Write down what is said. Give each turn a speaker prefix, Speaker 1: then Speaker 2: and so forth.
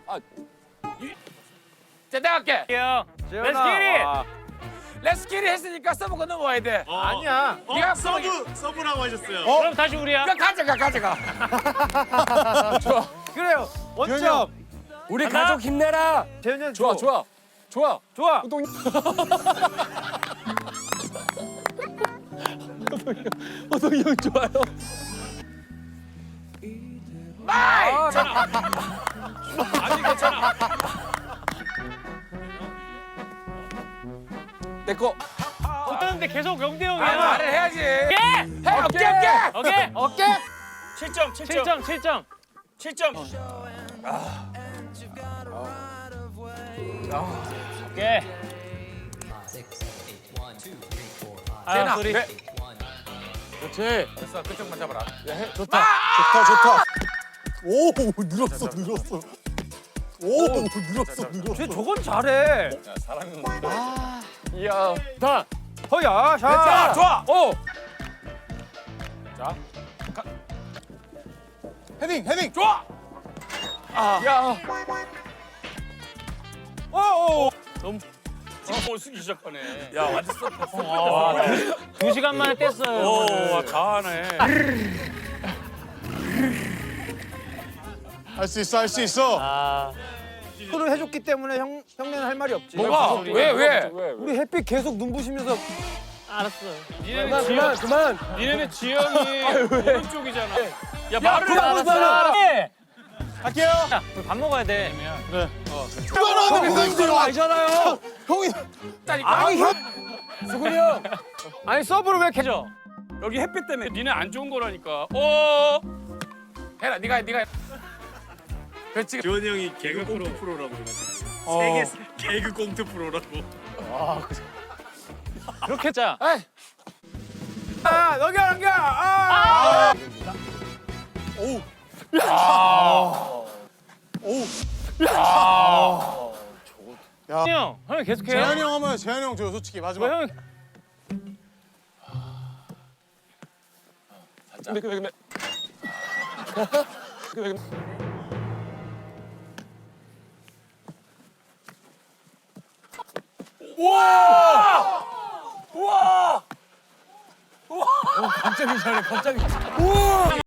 Speaker 1: 자, 내가 할게.
Speaker 2: Let's get it.
Speaker 1: 레스키리 했으니까 서브가 넘어와야 돼.
Speaker 2: 아니야.
Speaker 1: 네가
Speaker 3: 서브라고 하셨어요.
Speaker 2: 그럼 다시 우리야.
Speaker 1: 그럼 가져가.
Speaker 2: 그래요. 원점.
Speaker 1: 우리
Speaker 2: 간다.
Speaker 1: 가족 힘내라.
Speaker 2: 재현이 형
Speaker 1: 좋아.
Speaker 2: 좋아.
Speaker 1: 호동이 형 좋아요. 마이!
Speaker 2: 아니 괜찮아.
Speaker 1: 내 거.
Speaker 2: 못하는데 계속 영대 형이야.
Speaker 1: 말을 해야지.
Speaker 2: 해.
Speaker 1: 어깨.
Speaker 2: 어깨.
Speaker 3: 7점.
Speaker 2: 7점. 오케이.
Speaker 1: 재현아,
Speaker 2: 소리.
Speaker 1: 그래. 그렇지. 됐어, 그쪽만 잡아라.
Speaker 4: 좋다. 오 늘었어.
Speaker 2: 쟤 저건 잘해.
Speaker 1: 이야.
Speaker 2: 다. 허야 샷.
Speaker 1: 자, 좋아. 오.
Speaker 4: 헤딩.
Speaker 1: 좋아. 야.
Speaker 2: 오.
Speaker 3: 못 쓰기 시작하네.
Speaker 1: 야, 완전 썩.
Speaker 2: 2시간 만에 뗐어요.
Speaker 3: 오, 다 하네.
Speaker 4: 할 수 있어.
Speaker 2: 아. 를 해줬기 때문에 형네는 할 말이 없지.
Speaker 1: 뭐가? 왜?
Speaker 2: 우리 햇빛 계속 눈부시면서. 알았어.
Speaker 1: 그만.
Speaker 3: 니네는 지영이 오른쪽이잖아. 야, 말을
Speaker 2: 알았어.
Speaker 4: 갈게요.
Speaker 2: 야, 우리 밥 먹어야 돼.
Speaker 4: 이거는
Speaker 2: 알잖아요.
Speaker 4: 형이
Speaker 1: 아니, 형. 수근이 형.
Speaker 2: 아니 서브를 왜 이렇게 줘?
Speaker 3: 여기 햇빛 때문에 니네 안 좋은 거라니까. 오!
Speaker 1: 해라, 네가. 그렇지.
Speaker 3: 지원이 형이 개그 꽁트 프로라고 세계 개그 꽁트 프로라고.
Speaker 2: 그렇게 자.
Speaker 1: 에이.
Speaker 2: 넘겨. 형 계속해.
Speaker 4: 재현이 형 하면 재현이 형 줘요 솔직히 마지막.
Speaker 2: 뭐 형.
Speaker 1: 근데. 우와! 갑자기 잘해, 갑자기. 우와!